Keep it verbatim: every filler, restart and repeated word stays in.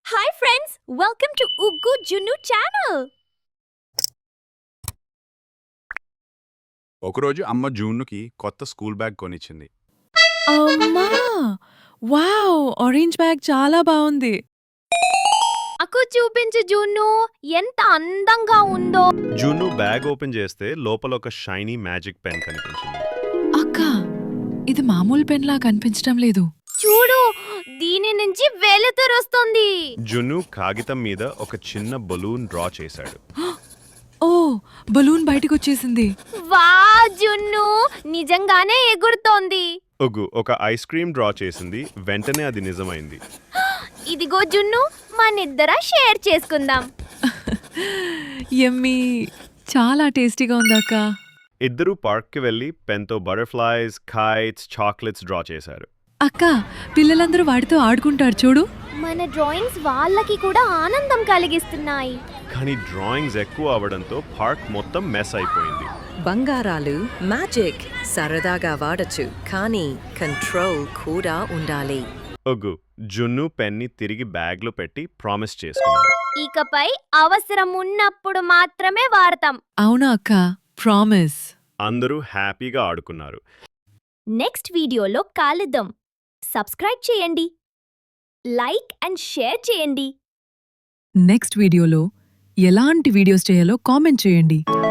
Hi friends, welcome to Uggu Junnu channel. ఒకరోజు అమ్మ జూన్నుకి కొత్త స్కూల్ బ్యాగ్ కొనిచ్చింది. అమ్మా వావ్ ఆరెంజ్ బ్యాగ్ చాలా బాగుంది. నాకు చూపించు జున్ను, ఎంత అందంగా ఉందో. జున్ను బ్యాగ్ ఓపెన్ చేస్తే లోపల ఒక షైనీ మ్యాజిక్ పెన్ కనిపించింది. అక్క ఇది మామూలు పెన్ లా కనిపించడం లేదు. చూడు, దీని నుంచి వెలుతురు వస్తుంది. జున్ను కాగితం మీద ఒక చిన్న బలూన్ డ్రా చేశాడు. ఓ బలూన్ బయటకు వచ్చేసింది. వా జున్ను, నిజంగానే ఎగురుతోంది. ఒగ్గు ఒక ఐస్ క్రీమ్ డ్రా చేసింది. వెంటనే అది నిజమైంది. ఇదిగో జున్ను, మనిద్దర షేర్ చేసుకుందాం. యమ్మీ చాలా టేస్టీగా ఉంది అక్క. ఇద్దరూ పార్క్కి వెళ్ళి పెన్తో బటర్ఫ్లైస్, కైట్స్, చాక్లెట్స్ డ్రా చేశారు. అక్క పిల్లలందరూ వాటితో ఆడుకుంటారు చూడు. మన డ్రాయింగ్స్ వాళ్ళకి కూడా ఆనందం కలిగిస్తున్నాయి. కానీ డ్రాయింగ్స్ ఎక్కువ అవడంతో పార్క్ మొత్తం మెస్ అయిపోయింది. బంగారాలు మ్యాజిక్ సరదాగా వాడచ్చు, కానీ కంట్రోల్ కూడా ఉండాలి. ఒగ్గు జున్ను పెన్ని తిరిగి బ్యాగ్లో పెట్టి ప్రామిస్ చేసుకున్నారు. ఇకపై అవసరం ఉన్నప్పుడు మాత్రమే వాడతాం. అవునా అక్క, ప్రామిస్. అందరూ హ్యాపీగా ఆడుకున్నారు. నెక్స్ట్ వీడియోలో కలుద్దాం. సబ్స్క్రైబ్ చేయండి, లైక్ అండ్ షేర్ చేయండి. నెక్స్ట్ వీడియోలో ఎలాంటి వీడియోస్ చేయాలో కామెంట్ చేయండి.